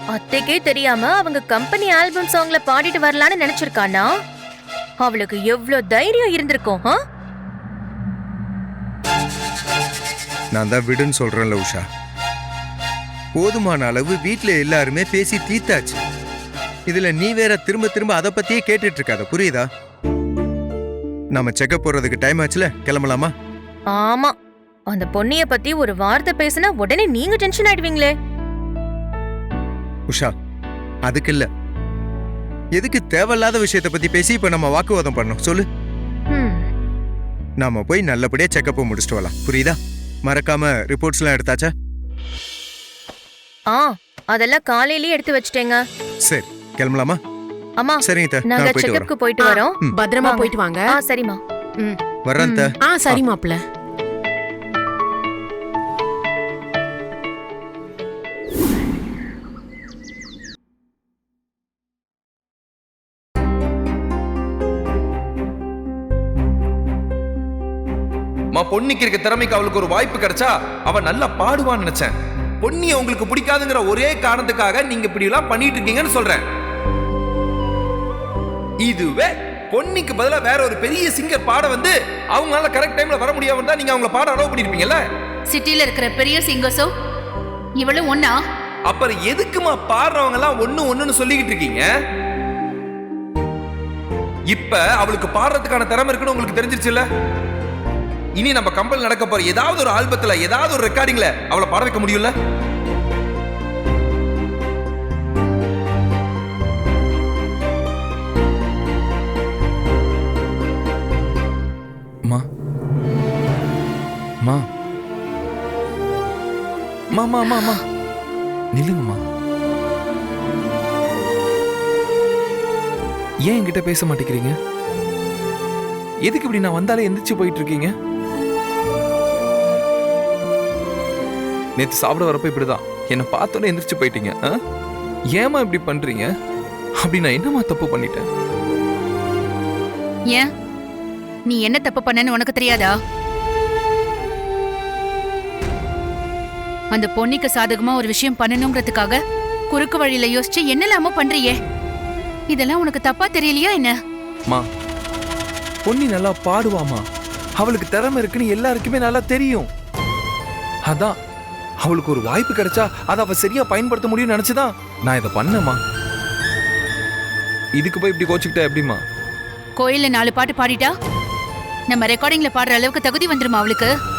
அத்தைக்கே தெரியாம அவங்க company album சாங்ல பாடிட்டு வரலான்னு நினைச்சிருக்கானா? அவளுக்கு எவ்வளவு தைரியம் இருந்திருக்கும். நான் தான் விடுன்னு சொல்றேன்ல உஷா. போதுமான அளவு வீட்டுல எல்லாருமே பேசி தீத்தாச்சு. இதுல நீ வேற திரும்ப திரும்ப அதை பத்தியே கேட்டுட்டு இருக்காத, புரியுதா? நாம செக்கப் போறதுக்கு டைம் ஆச்சுல, கிளம்பலாமா? ஆமா, அந்த பொண்ணிய பத்தி ஒரு வார்த்தை பேசினா உடனே நீங்க டென்ஷன் ஆயிடுவீங்களே. உஷா, அதுக்கு இல்ல. எதுக்கு தேவையில்லாத விஷயத்த பத்தி பேசி இப்ப நம்ம வாக்குவாதம் பண்ணோம் சொல்லு? நாம போய் நல்லபடியா செக்கப் முடிச்சுட்டு வரலாம், புரியுதா? மறக்காம ரிப்போர்ட்ஸ் எல்லாம் எடுத்தாச்சா? அதெல்லாம் காலையிலேயே எடுத்து வச்சிட்டேங்க. சரி, கிளம்பலாமா? அம்மா, சரிங்க, நாங்க செக்கப்க்கு போயிட்டு வரோம். பத்திரமா போயிட்டு வாங்க. சரிம்மா. வர்றேன். சரி மாப்ள. பொன்னிக்கு இருக்க திறமைக்கு அவளுக்கு ஒரு வாய்ப்பு கிடைச்சா அவ நல்லா பாடுவான்னு நினைச்சேன். பொன்னியை உங்களுக்கு பிடிக்காதுங்கிற ஒரே காரணத்துக்காக நீங்க இப்படி எல்லாம் பண்ணிட்டு இருக்கீங்கன்னு சொல்றேன். இதுவே பொன்னிக்கு பதிலா வேற ஒரு பெரிய சிங்கர் பாட வந்து அவங்களால கரெக்ட் டைம்ல வர முடியாம இருந்தா நீங்க அவங்கள பாட அலோவ் பண்ணிருப்பீங்கல்ல? சிட்டில இருக்கிற பெரிய சிங்கர்ஸோ இவளும் ஒண்ணா? அப்புறம் எதுக்குமா பாடுறவங்க எல்லாம் ஒண்ணுன்னு சொல்லிக்கிட்டு இருக்கீங்க? இப்ப அவளுக்கு பாடுறதுக்கான திறமை இருக்குன்னு உங்களுக்கு தெரிஞ்சிருச்சுல்ல? இனி நம்ம கம்பெனி நடக்க போற ஏதாவது ஒரு ஆல்பத்துல ஏதாவது ஒரு ரெக்கார்டிங்ல அவளை பாட வைக்க முடியும்ல? மா மா மா மா மா மா நில்லுங்கம்மா. ஏன் என்கிட்ட பேச மாட்டேங்கிறீங்க? எதுக்கு இப்படி நான் வந்தாலே எந்திரிச்சு போயிட்டு இருக்கீங்க? நேற்று சாப்பிட வரப்ப இப்படிதான் என்னை பார்த்தோன்னே எந்திரிச்சு போயிட்டீங்க. ஏமா இப்படி பண்றீங்க? அப்படி நான் என்னமா தப்பு பண்ணிட்டேன்? ஏன் நீ என்ன தப்பு பண்ணன்னு உனக்கு தெரியாதா? அந்த பொன்னிக்கு சாதகமா ஒரு விஷயம் பண்ணணுங்கிறதுக்காக குறுக்கு வழியில யோசிச்சு என்னெல்லாமோ பண்றியே, இதெல்லாம் உனக்கு தப்பா தெரியலையா என்ன? மா, பொன்னி நல்லா பாடுவாமா, அவளுக்கு திறமை இருக்குன்னு எல்லாருக்குமே நல்லா தெரியும். அதான் அவளுக்கு ஒரு வாய்ப்பு கிடைச்சா அதை அவ சரியா பயன்படுத்த முடியும்னு நினைச்சுதான் நான் இதை பண்ணேம்மா. இதுக்கு போய் இப்படி கோச்சுக்கிட்டா எப்படிமா? கோயில்ல 4 பாட்டு பாடிட்டா நம்ம ரெக்கார்டிங்ல பாடுற அளவுக்கு தகுதி வந்துருமா அவளுக்கு?